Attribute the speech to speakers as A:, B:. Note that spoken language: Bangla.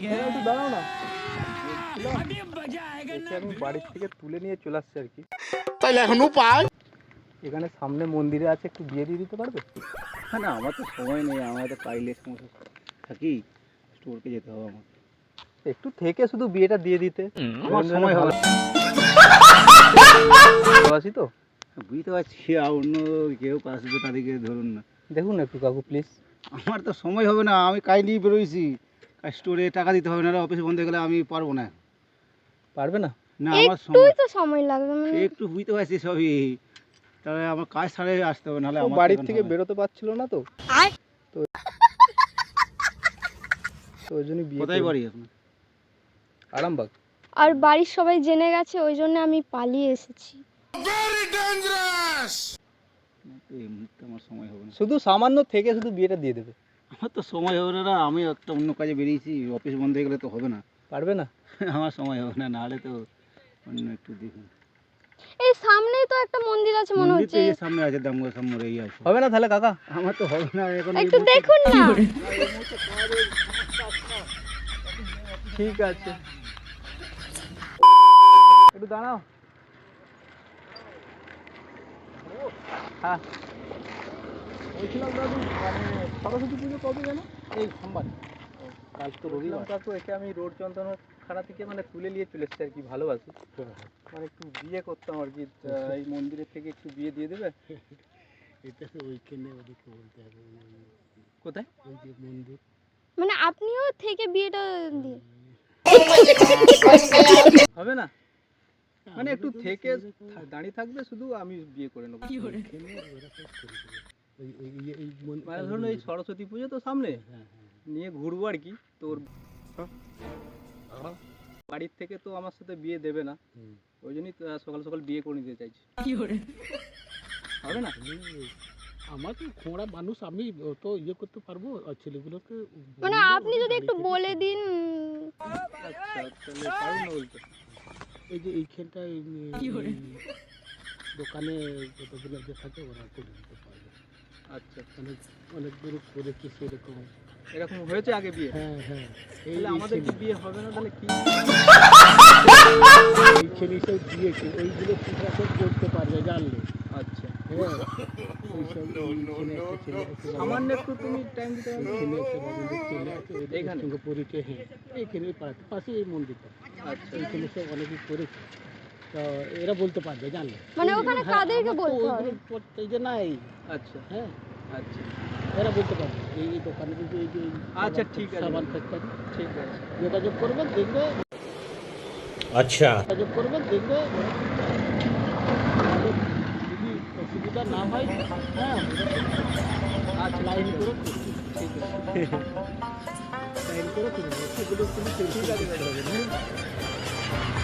A: একটু দাঁড়াও না, আমি বাড়ির থেকে তুলে নিয়ে চলে আসছি আর কি।
B: তাইলে এখন উপায়
A: এখানে সামনে মন্দিরে আছে, একটু বিয়ে দিয়ে দিতে পারবে?
C: না আমার তো সময় নেই, আমার তো কাইলে সমস্যা থাকি, স্টোরকে যেতে হবে আমার।
A: একটু থেকে শুধু বিয়েটা দিয়ে দিতে,
C: আমার সময় হবে
A: ভালোবাসি তো।
C: বুঝতে পারছি, আর অন্য কেউ আসবে তাদেরকে ধরুন না।
A: দেখুন না একটু কাকু প্লিজ।
C: আমার তো সময় হবে না, আমি কাজ নিয়ে বেরোইছি, স্টোরে টাকা দিতে হবে, না অফিস বন্ধ হয়ে গেলে আমি পারবো না।
A: পারবে না?
C: না আমার
D: একটুই তো সময় লাগবে, মানে
C: একটু বুঝতে পারছি সবই, তবে আমার কাজ ছাড়াই আসতে হবে, নাহলে আমার
A: বাড়ির থেকে বেরোতে পারছিল না তো, তো ওই জন্যই বিয়ে।
C: কোথায় বাড়ি আপনার?
A: আরামবাগ।
D: আর বাড়ির সবাই জেনে গেছে, ওই জন্য আমি পালিয়ে এসেছি।
C: এই মুহূর্তে আমার সময় হবে না,
A: শুধু সামান্য থেকে শুধু বিয়েটা দিয়ে দেবে।
C: আমার তো সময় হবে না, আমি একটা অন্য কাজে বেরিয়েছি, অফিস বন্ধ হয়ে গেলে তো হবে না।
A: পারবে না?
C: আমার সময় হবে না, নাহলে তো অন্য একটু দেখুন।
D: এই সামনেই তো একটা মন্দির আছে মনে
C: মন্দির তো
D: হচ্ছে,
C: এই সামনে আছে, দামোদর সামনে এই আছে।
A: হবে না তাহলে কাকা?
C: আমার তো হবে না এখন, এই
D: একটু
C: মুহূর্তে-
D: দেখুন না।
A: ঠিক আছে, একটু দাঁড়াও। হ্যাঁ বলছিলাম দাদু, মানে সরস্বতী পুজো কবে যেন?
C: এই সোমবার,
A: কাল তো রবিবার। কাকু একে আমি রোড যন্ত্রণাখানা থেকে মানে তুলে নিয়ে চলে এসেছি আর কি, ভালোবাসি মানে একটু বিয়ে করতাম আর কি, এই মন্দিরের থেকে একটু বিয়ে দিয়ে দেবে?
C: এটা তো ওইখানে ওদিকে বলতে হবে,
A: কোথায়?
C: ওই যে মন্দির।
D: মানে আপনিও থেকে বিয়েটা দিয়ে
A: হবে না? মানে একটু থেকে দাঁড়িয়ে থাকবে, শুধু আমি বিয়ে করে নেবো। মানে ধরুন এই সরস্বতী পুজো তো সামনে, নিয়ে ঘুরবো আর কি। তোর বাড়ির থেকে তো আমার সাথে বিয়ে দেবে না, ওই জন্যই তো সকাল সকাল বিয়ে করে নিতে চাইছি। হবে না?
C: আমার তো খোঁড়া মানুষ, আমি তো ইয়ে করতে পারবো, আর ছেলেগুলোকে
D: মানে আপনি যদি একটু বলে দিন।
A: আচ্ছা তাহলে পারুন না বলতে?
C: এই যে এইখানটায় দোকানে যতগুলো যে থাকে ওরা করে দিতে পারবে।
A: আচ্ছা
C: অনেক অনেক দূর করেছি সেরকম।
A: এরকম হয়েছে আগে বিয়ে?
C: হ্যাঁ হ্যাঁ,
A: তাহলে আমাদের কি বিয়ে হবে না তাহলে কি?
C: এইখানে সব দিয়েছে, ওইগুলো ঠিক আছে করতে পারবে জানলে।
A: আচ্ছা
C: হ্যাঁ ওইসব এইখানে একটা ছেলে আছে,
A: সামান্য একটু তুমি টাইম দিতে পারবে?
C: এইখানে একটা বাবুদের ছেলে আছে, ওদের
A: এইখানে?
C: সঙ্গে পরিচয়। হ্যাঁ এইখানে পাড়াতে পাশে এই মন্দিরটা,
A: আচ্ছা
C: এইখানে সব অনেকে করেছে, তো এরা বলতে পারবে জানলে।
D: মানে ওখানে
C: হ্যাঁ,
D: কাদেরকে
C: আমার তো
D: বলতে হবে?
C: ওইগুলো এই যে নাই,
A: আচ্ছা
C: হ্যাঁ
A: আচ্ছা
C: এরা বলতে পারবে এই এই দোকানে কিন্তু এই যে
A: আচ্ছা, ঠিক আছে।
C: সাবান ফ্যাক্টরি,
A: ঠিক আছে।
C: যোগাযোগ করবেন দেখবে,
B: আচ্ছা
C: যোগাযোগ করবেন দেখবে, যদি অসুবিধা না হয় হ্যাঁ
A: আচ্ছা
C: লাইন
A: ঠিক
C: করে
A: আছে, ঠিক আছে।
C: লাইন করে করবে, সেগুলো কিন্তু
A: ঠিক আছে দাদা।